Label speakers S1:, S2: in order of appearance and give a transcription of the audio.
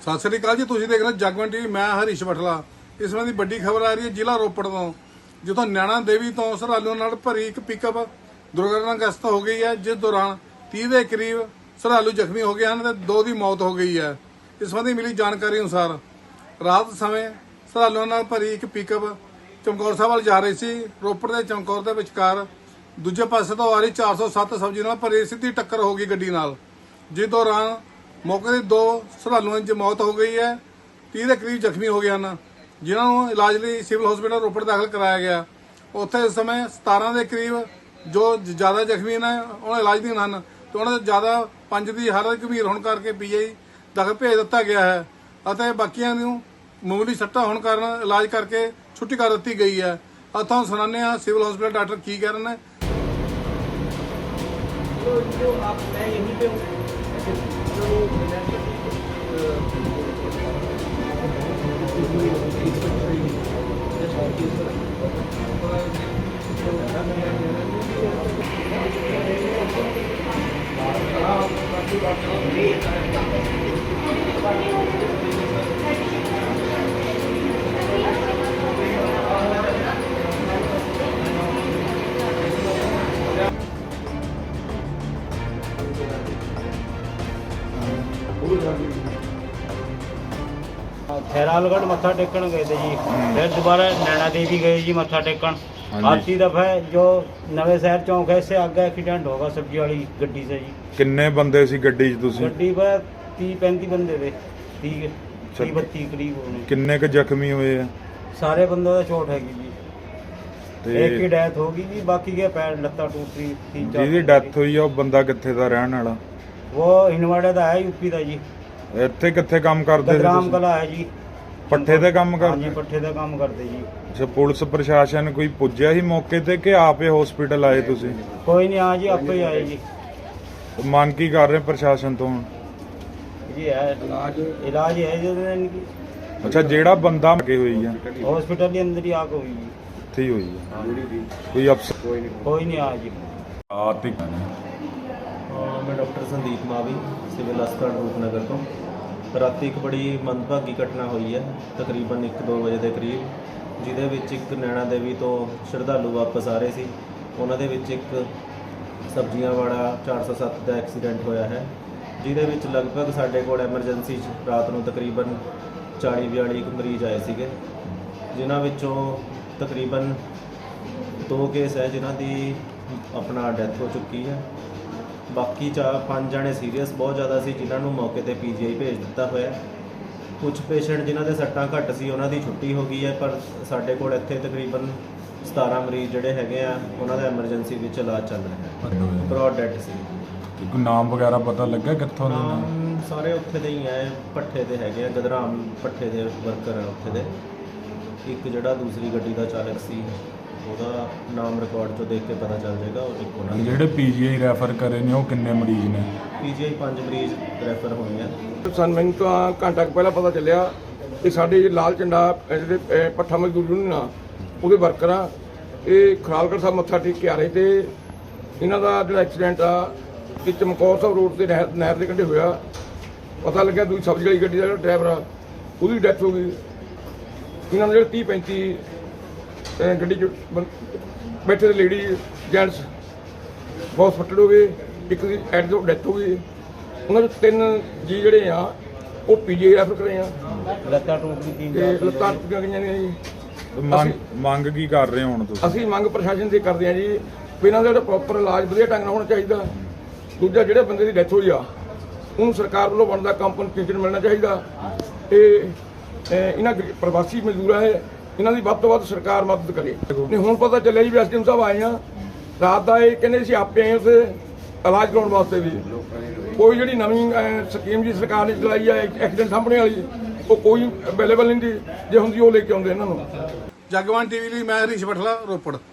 S1: ਸਤਿ ਸ੍ਰੀ ਅਕਾਲ ਜੀ। ਤੁਸੀਂ ਦੇਖ ਰਹੇ ਜਗਵੰਤ ਟੀਵੀ। ਮੈਂ ਹਰੀਸ਼ ਬਠਲਾ। ਇਸ ਸੰਬੰਧੀ ਵੱਡੀ ਖਬਰ ਆ ਰਹੀ ਹੈ ਜ਼ਿਲ੍ਹਾ ਰੋਪੜ ਤੋਂ, ਜਿੱਥੋਂ ਨੈਣਾ ਦੇਵੀ ਤੋਂ ਸ਼ਰਧਾਲੂਆਂ ਨਾਲ ਭਰੀ ਇੱਕ ਪਿਕਅਪ ਦੁਰਘਟਨਾਗ੍ਰਸਤ ਹੋ ਗਈ ਹੈ, ਜਿਸ ਦੌਰਾਨ 30 ਦੇ ਕਰੀਬ ਸ਼ਰਧਾਲੂ ਜ਼ਖਮੀ ਹੋ ਗਏ ਹਨ ਤੇ 2 ਦੀ ਮੌਤ ਹੋ ਗਈ ਹੈ। ਇਸ ਸੰਬੰਧੀ ਮਿਲੀ ਜਾਣਕਾਰੀ ਅਨੁਸਾਰ ਰਾਤ ਸਮੇਂ ਸ਼ਰਧਾਲੂਆਂ ਨਾਲ ਭਰੀ ਇੱਕ ਪਿਕਅਪ ਚਮਕੌਰ ਸਾਹਿਬ ਵੱਲ ਜਾ ਰਹੀ ਸੀ। ਰੋਪੜ ਦੇ ਚਮਕੌਰ ਦੇ ਵਿਚਕਾਰ ਦੂਜੇ ਪਾਸੇ ਤੋਂ ਆ ਰਹੀ 407 ਸਬਜ਼ੀ ਨਾਲ ਭਰੀ ਸਿੱਧੀ ਟੱਕਰ ਹੋ ਗਈ ਗੱਡੀ ਨਾਲ, ਜਿਸ ਦੌਰਾਨ ਮੌਕੇ ਤੇ 2 ਸ਼ਰਧਾਲੂਆਂ ਦੀ ਮੌਤ ਹੋ ਗਈ ਹੈ। 30 ਦੇ ਕਰੀਬ ਜ਼ਖਮੀ ਹੋ ਗਏ ਹਨ, ਜਿਨ੍ਹਾਂ ਨੂੰ ਇਲਾਜ ਲਈ ਸਿਵਲ ਹਸਪੀਟਲ ਰੋਪੜ ਦਾਖਲ ਕਰਾਇਆ ਗਿਆ। ਉੱਥੇ ਇਸ ਸਮੇਂ 17 ਦੇ ਕਰੀਬ ਜੋ ਜ਼ਿਆਦਾ ਜ਼ਖਮੀ ਨੇ ਉਹਨਾਂ ਇਲਾਜ ਅਧੀਨ ਹਨ ਤੇ ਉਹਨਾਂ ਦੇ ਜ਼ਿਆਦਾ 5 ਦੀ ਹਾਲਤ ਗੰਭੀਰ ਹੋਣ ਕਰਕੇ ਪੀਜੀ ਦਾਖਲ ਭੇਜ ਦਿੱਤਾ ਗਿਆ ਹੈ ਅਤੇ ਬਾਕੀਆਂ ਨੂੰ ਮਾਮੂਲੀ ਸੱਟਾਂ ਹੋਣ ਕਾਰਨ ਇਲਾਜ ਕਰਕੇ ਛੁੱਟੀ ਕਰ ਦਿੱਤੀ ਗਈ ਹੈ। ਇੱਥੋਂ ਸੁਣਾਉਂਦੇ ਹਾਂ ਸਿਵਲ ਹਸਪੀਟਲ ਡਾਕਟਰ ਕੀ ਕਹਿ ਰਹੇ ਨੇ।
S2: खैरालगढ़ मत्था टेकन गए थे जी, फिर दोबारा नैना देवी गए जी मत्था टेकन। आती दफा जो नवे शहर चौक है इससे आगे एक्सीडेंट होगा सब्जी वाली गड्डी से जी।
S3: किन्ने बंदे सी गड्डी च तुसी?
S2: गड्डी पर 30-35 बंदे थे, 30-32 करीब होने।
S3: किन्ने क जख्मी हुए हैं?
S2: सारे बंदों का चोट हैगी जी,
S3: ते
S2: एक की डेथ होगी जी, बाकी के पैर लत्ता टूट रही।
S3: ਜਿਹਦੀ ਡੈਥ ਹੋਈ ਆ ਉਹ ਬੰਦਾ ਕਿੱਥੇ ਦਾ ਰਹਿਣ ਵਾਲਾ?
S2: वो हिनवाड़े का है, यूपी का जी।
S3: ਇੱਥੇ ਕਿੱਥੇ ਕੰਮ ਕਰਦੇ ਸੀ
S2: ग्राम
S3: ਤੁਸੀਂ?
S2: कला है जी,
S3: ਪੱਠੇ ਤੇ ਕੰਮ
S2: हाँ
S3: ਕਰਦੇ?
S2: जी पट्ठे का काम करते जी।
S3: ਅੱਛਾ, ਪੁਲਿਸ ਪ੍ਰਸ਼ਾਸਨ ਕੋਈ ਪੁੱਜਿਆ ਸੀ ਮੌਕੇ ਤੇ ਕਿ ਆਪੇ ਹਸਪੀਟਲ ਆਏ ਤੁਸੀਂ?
S2: कोई नहीं, हाँ जी आपको ही आए जी।
S3: ਮੰਗ ਕੀ ਕਰ ਰਹੇ ਪ੍ਰਸ਼ਾਸਨ ਤੋਂ ਹੁਣ?
S2: जी है इलाज है जो इनकी
S3: ਅੱਛਾ, ਜਿਹੜਾ ਬੰਦਾ ਲੱਗੇ ਹੋਈ ਆ
S2: हॉस्पिटल के अंदर ही आग हुई जी।
S3: ਇੱਥੇ ਹੀ ਹੋਈ ਆ? ਕੋਈ ਅਫਸਰ
S2: कोई नहीं आज जी।
S3: ਆਤਿਕ
S4: मैं डॉक्टर संदीप मावी सिविल हस्पताल रूपनगर ਤੋਂ ਰਾਤੀ ਇੱਕ ਬੜੀ ਮੰਦਭਾਗੀ ਘਟਨਾ ਹੋਈ ਹੈ ਤਕਰੀਬਨ 1-2 ਵਜੇ ਦੇ ਕਰੀਬ, ਜਿਹਦੇ ਵਿੱਚ ਇੱਕ ਨੈਣਾ ਦੇਵੀ ਤੋਂ ਸ਼ਰਧਾਲੂ ਵਾਪਸ ਆ ਰਹੇ ਸੀ। ਉਹਨਾਂ ਦੇ ਵਿੱਚ ਇੱਕ ਸਬਜ਼ੀਆਂ ਵਾਲਾ 407 ਦਾ ਐਕਸੀਡੈਂਟ ਹੋਇਆ ਹੈ, ਜਿਹਦੇ ਵਿੱਚ ਲਗਭਗ ਸਾਡੇ ਕੋਲ ਐਮਰਜੈਂਸੀ 'ਚ ਰਾਤ ਨੂੰ ਤਕਰੀਬਨ 40-42 ਮਰੀਜ਼ ਆਏ ਸੀਗੇ, ਜਿਨ੍ਹਾਂ ਵਿੱਚੋਂ ਤਕਰੀਬਨ 2 ਕੇਸ ਹੈ ਜਿਨ੍ਹਾਂ ਦੀ ਆਪਣਾ ਡੈਥ ਹੋ ਚੁੱਕੀ ਹੈ। ਬਾਕੀ 5 ਜਣੇ ਸੀਰੀਅਸ ਬਹੁਤ ਜ਼ਿਆਦਾ ਸੀ, ਜਿਨ੍ਹਾਂ ਨੂੰ ਮੌਕੇ ਤੇ ਪੀਜੀਆਈ ਭੇਜ ਦਿੱਤਾ ਹੋਇਆ। ਕੁਝ ਪੇਸ਼ੈਂਟ ਜਿਨ੍ਹਾਂ ਦੇ ਸੱਟਾਂ ਘੱਟ ਸੀ ਉਹਨਾਂ ਦੀ ਛੁੱਟੀ ਹੋ ਗਈ ਹੈ, ਪਰ ਸਾਡੇ ਕੋਲ ਇੱਥੇ ਤਕਰੀਬਨ 17 ਮਰੀਜ਼ ਜਿਹੜੇ ਹੈਗੇ ਆ ਉਹਨਾਂ ਦਾ ਐਮਰਜੈਂਸੀ ਵਿੱਚ ਇਲਾਜ ਚੱਲ ਰਿਹਾ ਹੈ। ਬ੍ਰੌਡ ਡੈਡ ਸੀ।
S3: ਕੋਈ ਨਾਮ ਵਗੈਰਾ ਪਤਾ ਲੱਗਾ ਕਿੱਥੋਂ ਦੇ ਨੇ?
S4: ਨਾਮ ਸਾਰੇ ਉੱਥੇ ਦੇ ਹੀ ਹੈ, ਭੱਠੇ ਦੇ ਹੈਗੇ ਆ, ਗਦਰਾਮ ਭੱਠੇ ਦੇ ਵਰਕਰ ਆ ਉੱਥੇ ਦੇ। ਇੱਕ ਜਿਹੜਾ ਦੂਸਰੀ ਗੱਡੀ ਦਾ ਚਾਲਕ ਸੀ ਉਹਦਾ ਨਾਮ ਰਿਕਾਰਡ 'ਚੋਂ ਦੇਖ ਕੇ ਪਤਾ ਚੱਲ ਜਾਏਗਾ। ਉਹ ਇੱਕ ਉਹਨਾਂ
S3: ਜਿਹੜੇ ਪੀਜੀਆਈ ਰੈਫਰ ਕਰੇ ਨੇ ਉਹ ਕਿੰਨੇ ਮਰੀਜ਼ ਨੇ?
S4: ਪੀਜੀਆਈ 5 ਮਰੀਜ਼ ਰੈਫਰ ਹੋਏ ਆ।
S5: ਮੈਨੂੰ ਤਾਂ ਘੰਟਾ ਕੁ ਪਹਿਲਾਂ ਪਤਾ ਚੱਲਿਆ ਕਿ ਸਾਡੇ ਲਾਲ ਝੰਡਾ ਜਿਹੜੇ ਪੱਠਾ ਮਜ਼ਦੂਰ ਯੂਨੀਅਨ ਆ ਉਹਦੇ ਵਰਕਰ ਆ, ਇਹ ਖਰਾਲਗੜ੍ਹ ਸਾਹਿਬ ਮੱਥਾ ਟੇਕ ਕੇ ਆ ਰਹੇ ਤੇ ਇਹਨਾਂ ਦਾ ਜਿਹੜਾ ਐਕਸੀਡੈਂਟ ਆ ਕਿ ਚਮਕੌਰ ਸਾਹਿਬ ਰੋਡ ਤੇ ਨਹਿਰ ਦੇ ਕੰਢੇ ਹੋਇਆ। ਪਤਾ ਲੱਗਿਆ ਦੂਜੀ ਸਬਜ਼ੀ ਵਾਲੀ ਗੱਡੀ ਦਾ ਜਿਹੜਾ ਡਰਾਈਵਰ ਆ ਉਹਦੀ ਡੈਥ ਹੋ ਗਈ। ਇਹਨਾਂ ਦੇ ਜਿਹੜੇ 30-35 ਗੱਡੀ 'ਚ ਬੈਠੇ ਦੇ ਲੇਡੀ ਜੈਂਟਸ ਬਹੁਤ ਫੱਟੜ ਹੋ ਗਏ। ਇੱਕ ਦੀ ਐਟ ਤੋਂ ਡੈਥ ਹੋ ਗਈ। ਉਹਨਾਂ ਦੇ 3 ਜੀ ਜਿਹੜੇ ਆ ਉਹ ਪੀਜੀ ਰੈਫਰ ਕਰੇ ਆ
S2: ਲੱਤਾਂ ਟੁੱਟ ਗਈ,
S5: ਤੇ ਲੱਤਾਂ ਟੁੱਟੀਆਂ ਗਈਆਂ ਨੇ ਜੀ।
S3: ਮੰਗ ਕੀ ਕਰ ਰਹੇ ਹੋ ਹੁਣ ਤੁਸੀਂ?
S5: ਅਸੀਂ ਮੰਗ ਪ੍ਰਸ਼ਾਸਨ ਦੀ ਕਰਦੇ ਆ ਜੀ ਵੀ ਇਹਨਾਂ ਦਾ ਜਿਹੜਾ ਪ੍ਰੋਪਰ ਇਲਾਜ ਵਧੀਆ ਢੰਗ ਨਾਲ ਹੋਣਾ ਚਾਹੀਦਾ। ਦੂਜਾ ਜਿਹੜੇ ਬੰਦੇ ਦੀ ਡੈਥ ਹੋਈ ਆ ਉਹਨੂੰ ਸਰਕਾਰ ਵੱਲੋਂ ਬਣਦਾ ਕੰਪਨਸੇਸ਼ਨ ਮਿਲਣਾ ਚਾਹੀਦਾ। ਤੇ ਇਹਨਾਂ ਪ੍ਰਵਾਸੀ ਮਜ਼ਦੂਰਾਂ ਹੈ ਇਹਨਾਂ ਦੀ ਵੱਧ ਤੋਂ ਵੱਧ ਸਰਕਾਰ ਮਦਦ ਕਰੇ। ਨਹੀਂ ਹੁਣ ਪਤਾ ਚੱਲਿਆ ਜੀ ਵੀ ਐਸਡੀਐਮ ਸਾਹਿਬ ਆਏ ਆ ਰਾਤ ਦਾ, ਇਹ ਕਹਿੰਦੇ ਸੀ ਆਪੇ ਆਏ ਉੱਥੇ ਇਲਾਜ ਕਰਾਉਣ ਵਾਸਤੇ ਵੀ। ਕੋਈ ਜਿਹੜੀ ਨਵੀਂ ਸਕੀਮ ਜੀ ਸਰਕਾਰ ਨੇ ਚਲਾਈ ਆ ਐਕਸੀਡੈਂਟ ਸਾਹਮਣੇ ਵਾਲੀ ਉਹ ਕੋਈ ਅਵੇਲੇਬਲ ਨਹੀਂ ਦੀ, ਜੇ ਹੁੰਦੀ ਉਹ ਲੈ ਕੇ ਆਉਂਦੇ ਇਹਨਾਂ ਨੂੰ।
S1: ਜਗਵੰਤ ਟੀਵੀ ਲਈ ਮੈਂ ਹਰੀਸ਼ ਬਠਲਾ, ਰੋਪੜ।